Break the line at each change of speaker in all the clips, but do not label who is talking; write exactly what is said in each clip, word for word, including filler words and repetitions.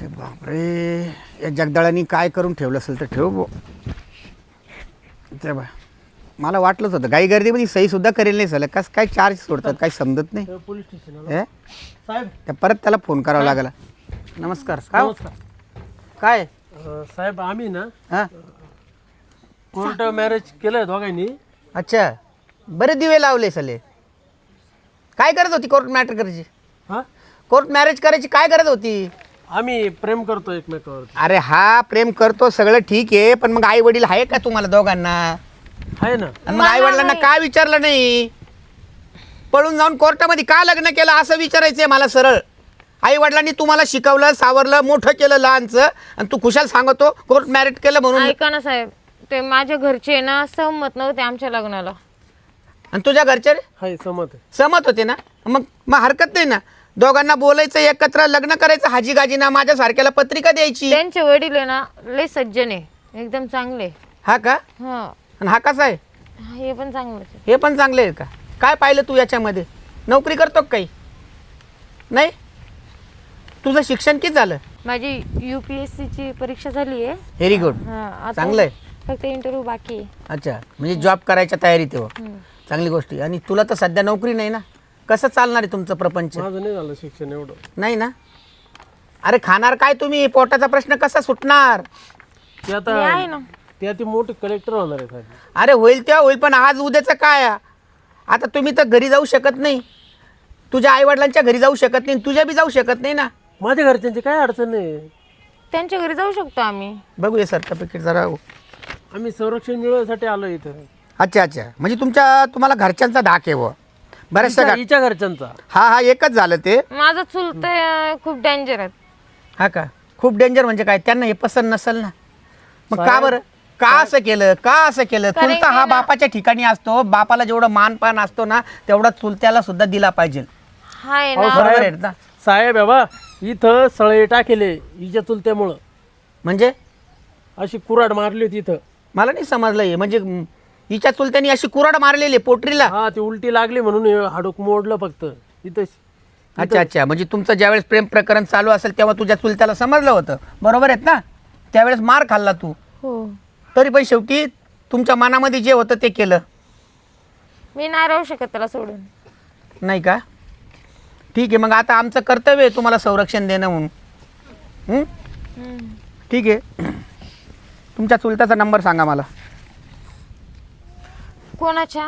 अरे बापरे, या जगदाळांनी काय करून ठेवलं असेल तर ठेव बो. ते बा मला वाटलंच होतं गाई गर्दीमध्ये सही सुद्धा करेल नाही झालं. कस काय चार्ज सोडतात काही समजत नाही.
पोलीस स्टेशन
हे
साहेब.
त्या परत त्याला फोन करावा लागला. नमस्कार. काय हो?
नमस्कार.
काय
अं, साहेब आम्ही ना
हां
कोर्ट मॅरेज केलंय दोघांनी.
अच्छा, बरे दिवे लावले सले. काय करत होती कोर्ट मॅटर करायची?
हा
कोर्ट मॅरेज करायची काय गरज होती?
आम्ही प्रेम करतो एकमेकावर.
अरे हा प्रेम करतो सगळं ठीक आहे, पण मग आई वडील आहे का तुम्हाला दोघांना?
आहे ना.
आणि मग आई वडिलांना का विचारलं नाही? पळून जाऊन कोर्टामध्ये का लग्न केलं असं विचारायचंय मला सरळ. आई वडिलांनी तुम्हाला शिकवलं, सावरलं, मोठं केलं लहानचं, आणि तू खुशाल सांगतो कोर्ट मॅरेज केलं म्हणून.
ऐका ना साहेब, ते माझ्या घरचे ना सहमत नव्हते आमच्या लग्नाला.
आणि तुझ्या घरचे रे
आहे सहमत आहे.
सहमत होते ना? मग मग हरकत नाही ना, दोघांना बोलायचं, एकत्र लग्न करायचं, हाजी गाजी ना माझ्या सारख्याला पत्रिका द्यायची.
त्यांचे वडील आहे ना लय सज्जन आहे, एकदम चांगले.
हा का?
हा
आणि हा कसा आहे?
हे पण चांगलंच आहे.
हे पण चांगले आहे का? काय पाहिलं तू याच्यामध्ये? नोकरी करतो का काही? नाही. तुझं शिक्षण किती झालं?
माझी युपीएससी ची परीक्षा झाली आहे.
Very good.
हा, आता
चांगलं आहे.
फक्त इंटरव्ह्यू बाकी आहे.
अच्छा, म्हणजे जॉब करायच्या तयारीत आहे.
हम्म.
चांगली गोष्ट आहे. आणि तुला तर सध्या नोकरी नाही ना, कसं चालणार आहे तुमचं प्रपंच?
माझं नाही झालं शिक्षण एवढं.
नाही ना. अरे खाणार काय तुम्ही? पोटाचा प्रश्न कसा सुटणार?
ते
मी आहे
आता
ना.
ते आता मोठे कलेक्टर होणार आहे साहेब.
अरे होईल तेव्हा होईल, पण आज उद्याचं काय? आता तुम्ही तर घरी जाऊ शकत नाही, तुझ्या आईवडिलांच्या घरी जाऊ शकत नाही, तुझ्या बी जाऊ शकत नाही ना.
माझ्या घरच्यांची काय अडचण नाही.
त्यांच्या घरी जाऊ शकतो आम्ही.
बघूया सर्टिफिकेट जरा.
आम्ही संरक्षण मिळवण्यासाठी आलो इथं.
अच्छा अच्छा, म्हणजे तुमच्या तुम्हाला घरच्यांचा धाक आहे व बऱ्याचशा
हिच्या
घा-
हिच्या घरच्यांचा.
हा हा एकच झालं ते.
माझं चुलत खूप डेंजर आहे.
हा का? खूप डेंजर म्हणजे काय? त्यांना हे पसंत नसेल ना. मग का
साहेब-
बरं? का असं केलं? का असं केलं?
कारण
चुलता
की
हा
ना-
बापाच्या ठिकाणी असतो, बापाला जेवढं मानपान असतो ना तेवढा चुलत्याला सुद्धा दिला पाहिजे.
हाय
अहो,
ना.
बरोबर आहे
साहेब
ना?
साहेब बाबा, इथं सळे टाकेले हिच्या चुलत्यामुळं.
म्हणजे
अशी कुराड मारली होती इथं.
मला नाही समजलं हे. म्हणजे म, हिच्या चुलत्यानी अशी कुराड मारलेली आहे पोटरीला?
हा ती उलटी लागली म्हणून हे हाडूक मोडलं फक्त इथं.
अच्छा अच्छा, म्हणजे तुमचं ज्यावेळेस प्रेम प्रकरण चालू असेल तेव्हा तुझ्या चुलत्याला समजलं होतं, बरोबर आहेत ना? त्यावेळेस मार खाल्ला तू,
हो.
तरी पण शेवटी तुमच्या मनामध्ये जे होतं ते केलं,
मी नाही राहू शकत त्याला सोडून.
नाही का? ठीक आहे, मग आता आमचं कर्तव्य आहे तुम्हाला संरक्षण देणं म्हणून. हं?
हम्म.
ठीक आहे. तुमच्या चुलत्याचा नंबर सांगा मला.
कोणाच्या?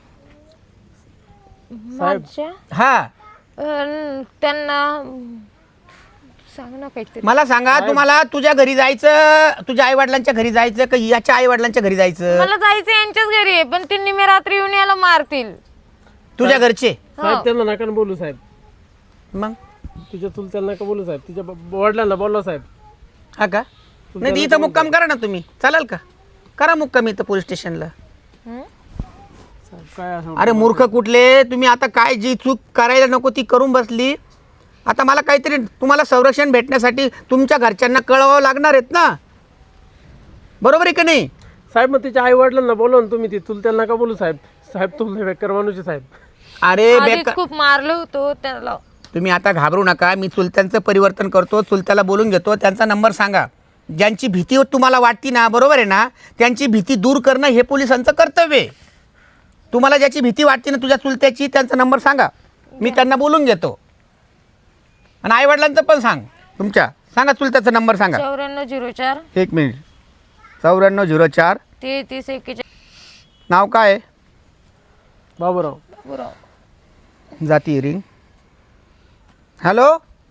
माझ्या?
हा,
अं, त्यांना सांग ना काहीतरी.
मला सांगा, तुम्हाला तुझ्या घरी जायचं, तुझ्या आई वडिलांच्या घरी जायचं का याच्या आई वडिलांच्या घरी जायचं?
मला जायचं यांच्याच घरी आहे, पण त्यांनी मी रात्री येऊन याला मारतील.
तुझ्या घरचे?
साहेब त्यांना नका ना बोलू साहेब.
मग
तुझ्या चुलत्याला नका बोलू साहेब. तिच्या ब- वडिलांना बोलला साहेब.
हा का? नाही तर इथं मुक्काम करा ना तुम्ही, चालेल का? करा मुक्काम इथं पोलीस स्टेशनला.
हं?
साहेब काय असं.
अरे मूर्ख कुठले तुम्ही, आता काय जी चूक करायला नको ती करून बसली. आता मला काहीतरी तुम्हाला संरक्षण भेटण्यासाठी तुमच्या घरच्यांना कळवावं लागणार आहेत ना, बरोबर आहे का नाही?
साहेब मग तिच्या आई वडिलांना बोलवा ना तुम्ही. ती चुलत्याला नका बोलू साहेब. साहेब तुम्ही बेकार माणूस आहे साहेब.
अरे
आधीच
बेकार,
खूप मारलं होतं त्याला.
तुम्ही आता घाबरू नका. मी चुलत्यांचं परिवर्तन करतो, चुलत्याला बोलून घेतो. त्यांचा नंबर सांगा. ज्यांची भीती तुम्हाला वाटती ना, बरोबर आहे ना, त्यांची भीती दूर करणं हे पोलिसांचं कर्तव्य आहे. तुम्हाला ज्याची भीती वाटते ना तुझ्या चुलत्याची, त्यांचा नंबर सांगा, मी त्यांना बोलून घेतो. आणि आईवडिलांचं पण सांग. तुमच्या सांगा, चुलत्याचा नंबर सांगा.
चौऱ्याण्णव झिरो चार
एक मिनिट. चौऱ्याण्णव झिरो चार.
तेहतीस एक्केचाळीस.
नाव काय आहे?
बाबूराव.
बरोबर.
जाती रिंग. हॅलो,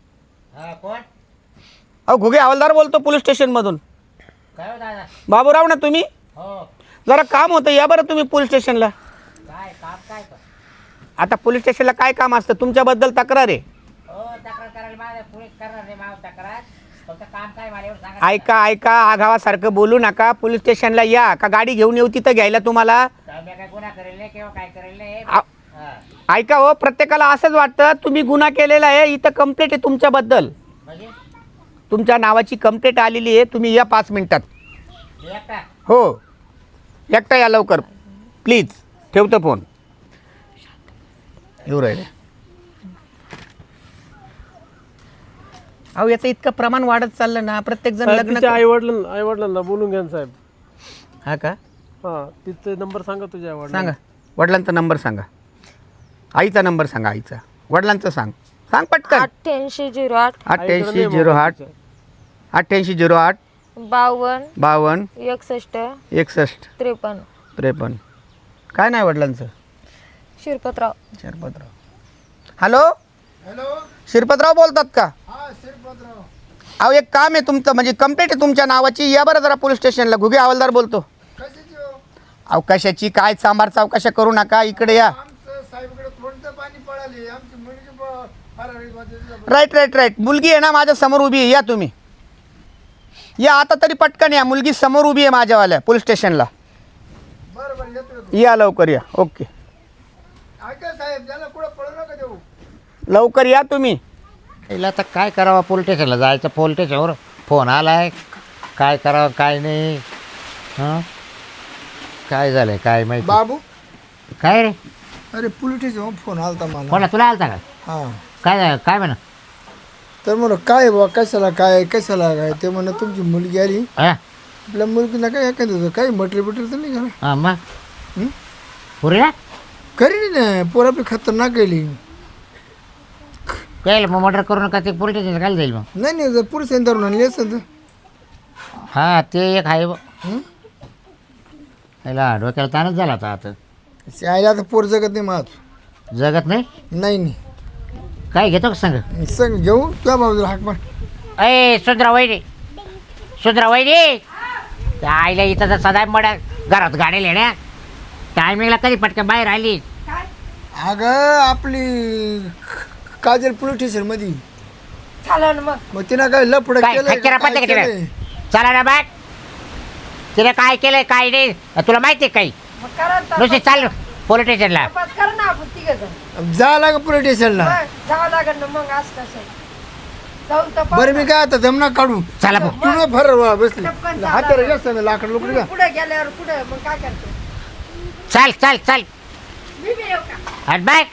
अहो घुगे हवालदार बोलतो पोलीस स्टेशनमधून. बाबूराव ना तुम्ही? जरा काम होतं, या बरं तुम्ही पोलीस स्टेशनला. आता पोलीस स्टेशनला काय काम असतं? तुमच्याबद्दल तक्रार आहे. ऐका ऐका, आघावासारखं बोलू नका. पोलीस स्टेशनला या, का गाडी घेऊन येऊ तिथं घ्यायला तुम्हाला? आ- ऐका हो, प्रत्येकाला असंच वाटतं तुम्ही गुन्हा केलेला आहे. इथं कंप्लेंट आहे तुमच्याबद्दल, तुमच्या नावाची कंप्लेंट आलेली आहे. तुम्ही या पाच मिनिटात. हो, एकटा या लवकर प्लीज. ठेवतो फोन. येऊ राहिले. अहो याचं इतकं प्रमाण वाढत चाललं ना, प्रत्येक जण लग्न
तिच्या आई वडिलांना आई वडिलांना बोलून घ्या ना साहेब.
हा का?
हा तिचा नंबर सांगा तुझ्या आई
सांगा वडिलांचा नंबर सांगा, आईचा नंबर सांगा, आईचा वडिलांचं सांग सांग पटकन.
अठ्ठ्याऐंशी झिरो आठ
अठ्ठ्याऐंशी झिरो आठ अठ्ठ्याऐंशी झिरो आठ
बावन्न
बावन्न
एकसष्ट
एकसष्ट
त्रेपन्न.
त्रेपन्न. काय नाही वडिलांचं?
शिरपतराव.
शिरपतराव. Hello
hello.
शिरपतराव बोलतात का?
हा शिरपतराव.
अहो एक काम आहे तुमचं, म्हणजे कंप्लेंट आहे तुमच्या नावाची. या बरं जरा पोलीस स्टेशनला. घुगे हवालदार बोलतो.
कशाची हो?
अवकाशाची काय सांबार चौकशा करू नका, इकडे या.
आमचं साहेबकडे थोडंसं पाणी पळाले. आमची मुलगी प- फरारी बाजूला-
राईट राईट राईट मुलगी आहे ना माझ्या समोर उभी आहे, या तुम्ही या आता तरी पटकन या. मुलगी समोर उभी आहे माझ्यावाल्या पोलीस स्टेशनला.
बरं बरं येतो येतो.
या लवकर या. ओके
ऐका साहेब त्याला कुठं पळू नका देऊ.
लवकर या तुम्ही.
तिला आता काय करावं, पोलीस स्टेशनला जायचं. पोलीस स्टेशनवर फोन आलाय, काय करावं काय नाही. हां काय झालंय काय माहिती.
बाबू
काय रे,
अरे पोलीस स्टेशन फोन आलता मला.
कोणा तुला आलता का?
हा
काय झालं काय म्हणा?
तर म्हणून काय बा कशाला काय कशाला काय ते म्हणा तुमची मुलगी आली.
हां
आपल्या मुलगीला काय एखादं काही मटेरियल बिटेरियल तर नाही घाला.
हां मग
हं?
पुरे ना
करी नाही पोर आपली खतरनाक गेली.
काय मग मर्डर करू नका, ते पोलीस स्टेशन काय जाईल मग?
नाही नाही जर पुरुष धरून आणली असेल तर.
हां ते एक आहे बघ.
हं?
याला डोक्याला ताणच झाला आता. आता
ते आईला आता पोर जगत नाही माझ.
जगत नाही.
नाही नाही
काय घेतो का सांग?
सांग घेऊ तुझ्या बाजूला हाक मार.
अय सुंदरा वैरी, सुंदरा वैरी, त्या आईला इथं तर सदा मड्या घरात गाडी येण्या टायमिंगला कधी पटकन बाहेर आली.
अगं आपली काजल पोलीस स्टेशन मध्ये
चालेल मग.
मग तिनं काय लफड
काय
केलं
खच्चरा पत्ते का तिने? चला ना बाग, तिने काय केलंय काय नाही तुला माहिती आहे काही? नुसते चाल पोलीस स्टेशनला.
जा लाग पोलीस स्टेशनला. बरं मी काय आता जमना काढू.
चला भाऊ.
तुला फर बसली हाताला जास्त नाही लाकड लोकडी का.
पुढे गेल्यावर पुढे मग काय करतो
चल चल चल
मी बी येऊ का?
हट बाय.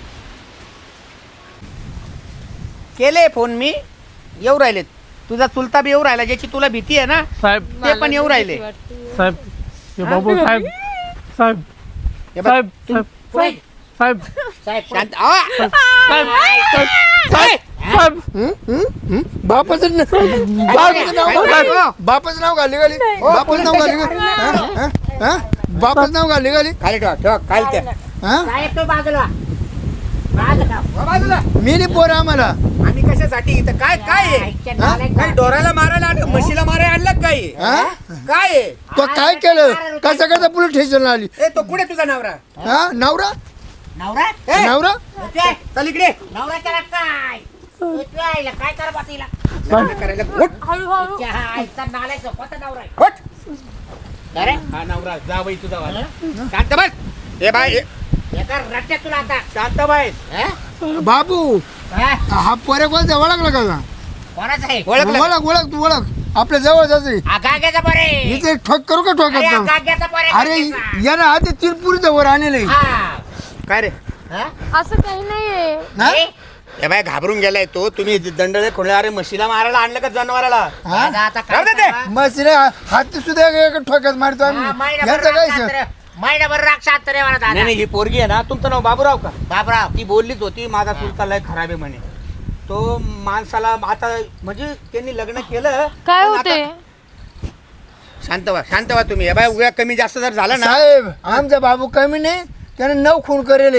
केले फोन मी, येऊ राहिलेत. तुझा चुलता बी येऊ राहिला, ज्याची तुला भीती आहे ना
साहेब
ते पण येऊ राहिले.
साहेब हे बाबू साहेब साहेब
हे बघ,
साहेब साहेब
पुढे.
साहेब
साहेब,
शांत आ!
साहेब साहेब साहेब
हं? हं? हं? बापाचं न- बापाचं नाव घाली बापाचं नाव घाली घाली बापाचं नाव घाली घाली हं? हं? हं? बापाचं नाव घाली घाली
खाली ठेवा ठेवा खाली त्या
हं?
साहेब तू बाजूला बाजूला.
बाजूला.
मी नाही पोर आम्हाला.
आम्ही कशासाठी इथं काय काय आहे? काही डोराला मारायला आणि म्हशीला मारायला आणलं काय आहे?
हं?
काय आहे?
तो काय केलं कसं कसं पोलीस स्टेशनला आली.
ए तो कुठे तुझा नवरा?
हा नवरा
नवरा
ए,
नवरा
ते
चल इकडे.
नवरा त्याला काय तू आईला काय कर बा तिला?
लग्न करायला उठ,
हळूहळू.
त्या आईचा नालायक कोणता नवरा आहे?
उठ.
अरे
हा नवरा जावई तुझा वाला. शांत बस. ए बाय ए,
एका रट्ट्यात तुला आता.
शांत बाय.
हं?
बाबू
हा?
हा पोरे कोणता ओळखला का.
कोणाचं आहे?
ओळखलं?
ओळख ओळख तू ओळख आपल्या जवळ जायचं.
हा गाग्याचा बरे.
इथे एक ठोक करू का
अरे हा
ठोकात
गाग्याचा बरे.
अरे यानं आधी तिरपुरीचं वर आणले.
हा.
काय रे?
हं?
असं काही नाहीये.
ए,
ए बाय घाबरून गेलाय तो. तुम्ही दंडळे खोले. अरे म्हशीला मारायला आणलं का जनावराला?
दादा आता काय
राहू दे ते.
करावं?
मस्त हाती सुद्धा एक ठोक्यात मारतो
हा,
आम्ही.
महिनाभर
यांचं काय
राग
सर
शांत रे. महिनाभर राग शांत रे मला
नाही
दादा.
नाही ही पोरगी आहे ना. तुमचं नाव बाबूराव का?
बाबराव
ती बोललीच होती माझा चुलता लय खराब आहे म्हणे. तो माणसाला आता म्हणजे त्यांनी लग्न केलं.
काय
पण
होते?
आता- शांत व्हा शांत व्हा तुम्ही. ए बाय उद्या कमी जास्त जर झालं ना.
साहेब आमचा बाबू कमी नाही त्याने नऊ खून करेल.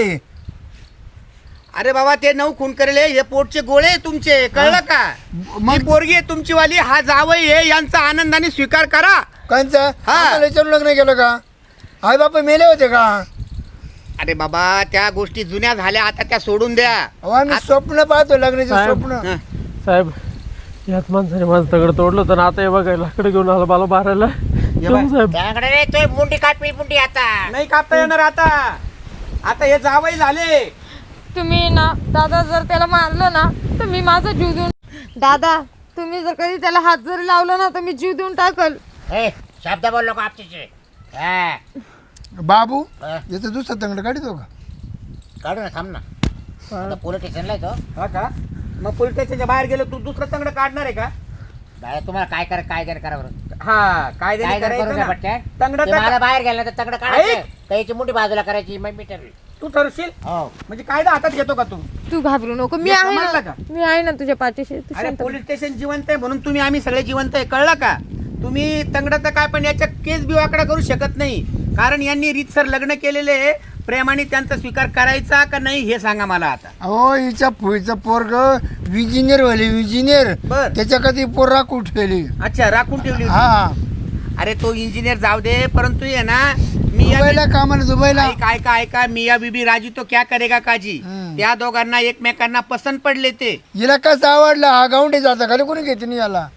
अरे बाबा ते नऊ खून करेल. हे पोटचे गोळे आहे तुमचे, कळलं का? मग पोरगी आहे तुमची वाली. हा जावई आहे. यांचा आनंदाने स्वीकार करा.
कंचा
हा.
आम्हाला विचारून लग्न केलं का. आई बापा मेले होते का.
अरे बाबा त्या गोष्टी जुन्या झाल्या, आता त्या सोडून द्या.
अहो, आम्ही स्वप्न पाहतो लग्नाचे
साहेब.
स्वप्न.
हं.
साहेब यात माणसाने माझं तगड तोडलं होतं ना, आता हे बघायला लाकडं घेऊन आला मला मारायला.
बाय.
जाऊ साहेब
त्याकडे रे तो मुंडी कापी मुंडी आता.
नाही कापता येणार आता. आता हे जावई झाले.
तुम्ही ना दादा जर त्याला मारलं ना तर मी माझा जीव देऊन. दादा तुम्ही जर कधी त्याला हात जरी लावला ना तर मी जीव देऊन टाकल.
ए शब्द बोल नको आपचे. हा
बाबू
हा.
याचं दुसरं तंगड काढतो का.
काढू ना थांब ना. आता पोलीस स्टेशनला येतो.
हा का? मग पोलीस स्टेशनच्या बाहेर गेलो तू दुसरं तंगड काढणार आहे का?
बाहेर तुम्हाला काय करा काय जर करा बरं
हा काय
काय जर करू नका पटकन.
तंगड
ते मला बाहेर गेला तर तगडं काढायचं
ऐक.
त्याची मोठी बाजूला करायची मग मी ठरवी.
तू ठरशील
हो
म्हणजे कायदा हातात घेतो का तू?
तू घाबरू नको, मी
हे
आहे
समजलं
ना,
का?
मी आहे ना तुझ्या पाठीशी. तू
अरे
शांत
पोलीस स्टेशन जिवंत आहे म्हणून तुम्ही आम्ही सगळे जिवंत आहे, कळलं का? तुम्ही तंगडाचं काय पण याच्या केस बिवाकडा करू शकत नाही, कारण यांनी रीतसर लग्न केलेले प्रेमाने त्यांचा स्वीकार करायचा का नाही हे सांगा मला आता.
अहो हिच्या फुईचं पोरग विजिनियर व्हायले विजिनियर
बर.
त्याच्या कधी पोर राखून ठेवली.
अच्छा राखून ठेवली होती.
हा
अरे तो इंजिनियर जाऊ दे, परंतु ये ना मी या-
दुबईला कामाला दुबईला
ऐका ऐका ऐका मिया बीबी राजी तो क्या करेगा काजी.
हम्म.
त्या दोघांना एकमेकांना पसंत पडले ते.
हिला कसं आवडला हा गावंडी जाता खाली कोणी घेते नाही याला.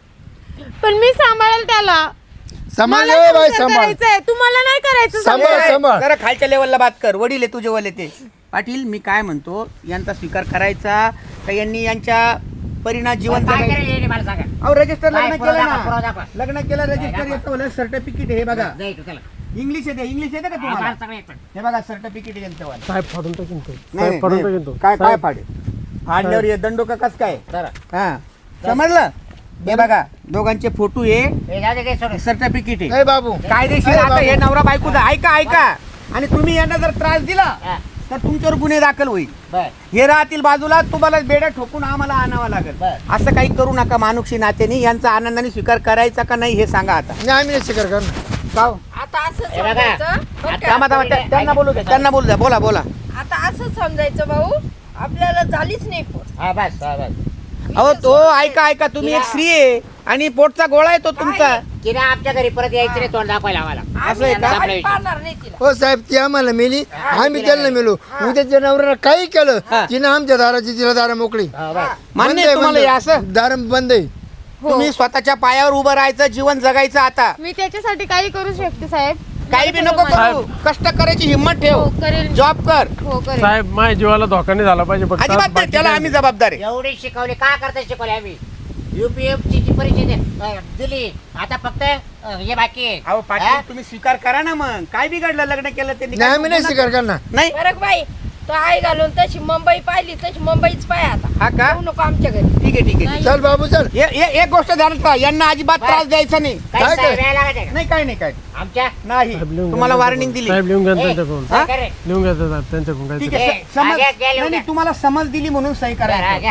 पण मी सांभाळेल त्याला.
सांभाळ
मला
रे बाई
संसार
सांभाळ.
करायचाय, तुम्हाला नाही करायचं.
सांभाळ.
ए,
सांभाळ.
जरा खालच्या लेवलला बात कर, वडील आहे तुझे वले ते. पाटील मी काय म्हणतो, यांचा स्वीकार करायचा का यांनी यांच्या परिणाम जीवन
काय
जगायचं?
करेल हे मला सांगा.
अहो रजिस्टर
काय
लग्न
पुरावा
केलं
दाखवा, पुरावा
ना,
दाखवा.
लग्न केलं रजिस्टर
दाखवा.
येतं वालं सर्टिफिकेट हे बघा.
जाई तू त्याला.
इंग्लिश येते, इंग्लिश येते का तुम्हाला?
आम्हाला सगळं येतं.
हे बघा सर्टिफिकेट यांचं वालं.
साहेब फाडून टाकीन तो.
नाही,
साहेब फाडून
नाही,
टाकीन तो.
काय काय
साहेब,
फाडे फाडल्यावर हे दंडो का कस काय?
चला.
हा समजलं. हे बघा दोघांचे फोटो आहे,
हे जाऊ दे ते सोडून.
सर्टिफिकेट आहे
ए बाबू
कायदेशीर.
अरे
आता
बाबू.
हे नवरा बायकोचा ऐका ऐका, आणि तुम्ही यांना जर त्रास दिला
हा,
तर तुमच्यावर गुन्हे दाखल होईल.
बर.
हे राहतील बाजूला, तुम्हाला बेड्या ठोकून आम्हाला आणावं लागेल.
बरं.
असं काही करू नका मानुक्षी नात्याने. यांचा आनंदाने स्वीकार करायचा का नाही हे सांगा आता.
नाही आम्ही नाही स्वीकार करणार.
का हो?
आता असं
हे बघा.
समजायचं बरं का?
थांबा, थांबा, त्या- त्यांना बोलू द्या, त्यांना बोलू द्या. बोला बोला.
आता असं समजायचं भाऊ आपल्याला झालीच नाही पोट.
हा बस हा बस.
अहो तो ऐका ऐका, तुम्ही एक स्त्री आहे आणि पोटचा गोळा आहे तो तुमचा.
तिने आमच्या घरी परत यायचं नाही तोंड दाखवायला आम्हाला.
असं आहे का?
आम्ही पाहणार नाही तिला.
हो साहेब ती आम्हाला मेली आम्ही त्यांना मेलो. उद्याच्या नवऱ्याला काही केलं
हा.
तिने आमच्या दाराची तिला दारा मोकळी.
हा, बस.
मान्य
बंद
आहे
आहे,
तुम्हाला
बंद
हे
आहे.
असं?
दार बंद आहे.
तुम्ही स्वतःच्या पायावर उभं राहायचं, जीवन जगायचं आता.
मी त्याच्यासाठी काही करू शकते साहेब.
काही बी नको करू, कष्ट करायची हिंमत
हो
ठेव,
करेल.
जॉब कर.
हो करेल.
साहेब माझ्या जीवाला धोका नाही झाला पाहिजे फक्त
अजिबात नाही,
बाकी
त्याला
काही
आम्ही जबाबदार आहे.
एवढी शिकवली का करता शिकवली आम्ही. युपीएफसी ची परीक्षा दे- अं, दिली आता फक्त अं, हे बाकी आहे.
अहो
हा?
पाटील तुम्ही स्वीकार करा ना मग. काय बिघडलं लग्न केलं त्यांनी?
नाही आम्ही नाही स्वीकार करणार.
नाही
बरं बाई तो आई घालून तशी मुंबई पाहिली तशी मुंबईच पाय आता.
हा का?
येऊ नको आमच्या घरी.
ठीक आहे ठीक आहे.
चल बाबू चल.
हे- हे- एक गोष्ट ध्यानात ठेवा, यांना अजिबात त्रास द्यायचा नाही.
काही
काय
साहेब
काय?
यायला लागायचं का?
नाही काय नाही काय
आमच्या
नाही.
साहेब लिहून
तुम्हाला
घ्या
वॉर्निंग
त्यांच्याकडून.
दिली.
साहेब लिहून घ्या
ए,
त्यांच्याकडून.
हा?
काय करे?
लिहून घ्या साहेब त्यांच्याकडून
ठीक
काहीतरी.
आहे
ए,
स- समज
आगे- आगे लिहून
नाही, नाही,
द्या.
तुम्हाला समज दिली म्हणून सही
बरं, हा,
करायचं.
घ्या.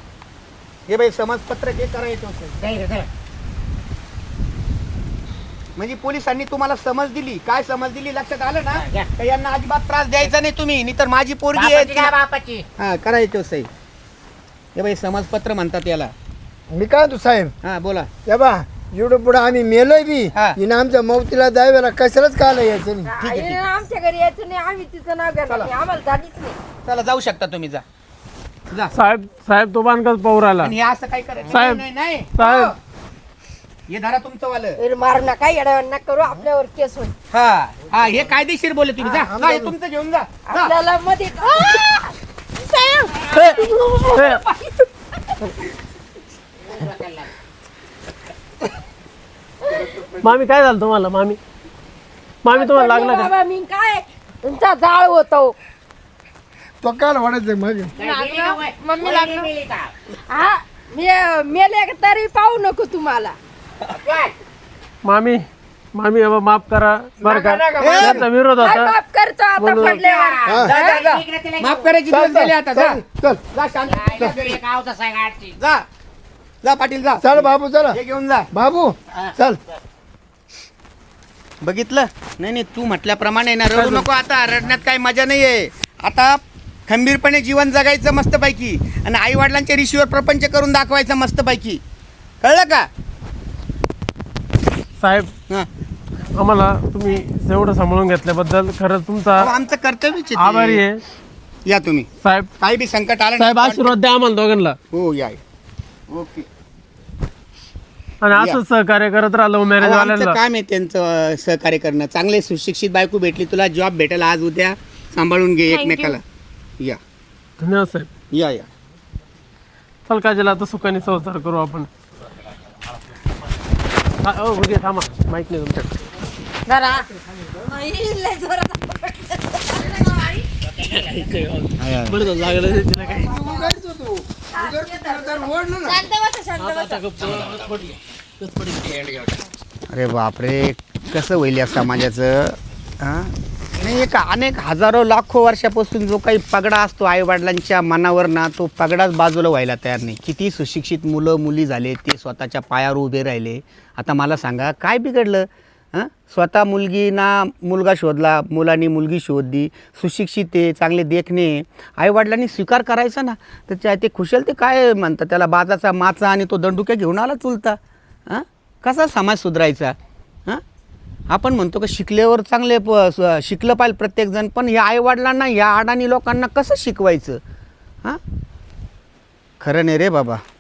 हे बाई समज पत्र हे करायचं होतं.
जाई रे, चला.
म्हणजे पोलिसांनी तुम्हाला समज दिली. काय समज दिली लक्षात आलं ना?
हा, घ्या.
का यांना अजिबात त्रास द्यायचा नाही तुम्ही, नाही तर माझी पोरगी आहे
बापाची का
तिला-
बापाची?
हा करायचं सही. हे बाई समजपत्र म्हणतात याला.
मी काय तू साहेब
हा बोला.
या बा एवढं पुढे आम्ही मेलोय बी
हा.
हिनं आमच्या मौतीला द्यावेला कशालाच काला यायचं नाही.
आहे, ठीक
आईनं आमच्या घरी यायचं नाही आम्ही तिचं नाव घेणार नाही. आम्हाला झालीच नाही.
चला जाऊ शकता तुम्ही, जा जा.
साहेब साहेब तो बांधकाच पाहू राहिला.
आणि हे असं काय करायचं
साहेब.
नाही नाही
साहेब.
हो. हे धरा तुमचं वालं.
अरे मारू नका येड्यावर नका करू आपल्यावर केस होईल.
हा हा हे कायदेशीर बोले तुम्ही. जा जा, हे तुमचं घेऊन जा जा.
आपल्याला मध्ये
मामी काय झालं तुम्हाला मामी मामी तुम्हाला लागला का?
बाबा मी काय तुमचा जाळ होतो.
तो काल वाढायचं मग
काय गेली का वय?
मम्मी
वय
लागलं.
गेली का?
हा मे- मेले तरी पाहू नको तुम्हाला.
काय?
मामी मामी बाबा माफ करा बरं का
नका, नका,
त्यांचा विरोध
काय
होता.
माफ करतो आता
म्हणून-
पडल्यावर.
हा.
जा, जा, जा.
इकडे तिला
माफ
घेऊ.
करायची
चल,
दिवस झाले आता. जा
चल चल
जा शांत
काय घरी एक आवताच आहे गाडची.
जा जा पाटील जा.
चल बाबू चला
हे घेऊन जा.
बाबू चल.
बघितलं नाही नाही तू म्हटल्याप्रमाणे ना रडू नको आता. रडण्यात काही मजा नाही आहे. आता खंबीरपणे जीवन जगायचं मस्तपैकी, आणि आई वडिलांच्या ऋषीवर प्रपंच करून दाखवायचं मस्तपैकी. कळलं का?
साहेब
हा.
आम्हाला तुम्ही एवढं सांभाळून घेतल्याबद्दल खरंच तुमचा
अहो, आमचं कर्तव्यच आहे ते.
आभारी आहे
या तुम्ही.
साहेब.
काही बी संकट आलं
साहेब
ना,
आशीर्वाद द्या आम्हाला दोघांना
हो या ओके.
आणि असंच सहकार्य करत राहिलो मॅरेज
अहो, आमचं
वाल्यांना.
काम आहे त्यांचं अं, सहकार्य करणं. चांगले सुशिक्षित बायको भेटली तुला, जॉब भेटेल आज उद्या, सांभाळून घे
Thank you.
एकमेकाला. या
धन्यवाद साहेब.
या या
चल काजल आता सुखाने संसार करू आपण. हा, ओ, उगे थांबा माहित नाही तुमच्याकडे.
जरा
बरं झालं, लागलं तिला काही.
उधर तुला तर ओढलं ना.
शांत बसा, शांत बसा.
अरे बापरे, कसं होईल या समाजाचं? हां नाही, एक अनेक हजारो लाखो वर्षापासून जो काही पगडा असतो आईवडिलांच्या मनावर ना, तो पगडाच बाजूला व्हायला तयार नाही. किती सुशिक्षित मुलं मुली झाले, ते स्वतःच्या पायावर उभे राहिले. आता मला सांगा काय बिघडलं? हां स्वतः मुलगी ना मुलगा शोधला, मुलांनी मुलगी शोधली, सुशिक्षित आहे, चांगले देखणे, आईवडिलांनी स्वीकार करायचा ना. तर त्या ते खुशाल ते काय म्हणतात त्याला, बाजाचा माचा आणि तो दंडुक्या घेऊन आला चुलता. हां कसा समाज सुधारायचा? हां आपण म्हणतो का शिकल्यावर चांगले प स- शिकलं पाहिजे प्रत्येकजण, पण ह्या आईवडिलांना ह्या अडाणी लोकांना कसं शिकवायचं? हां खरं नाही रे बाबा.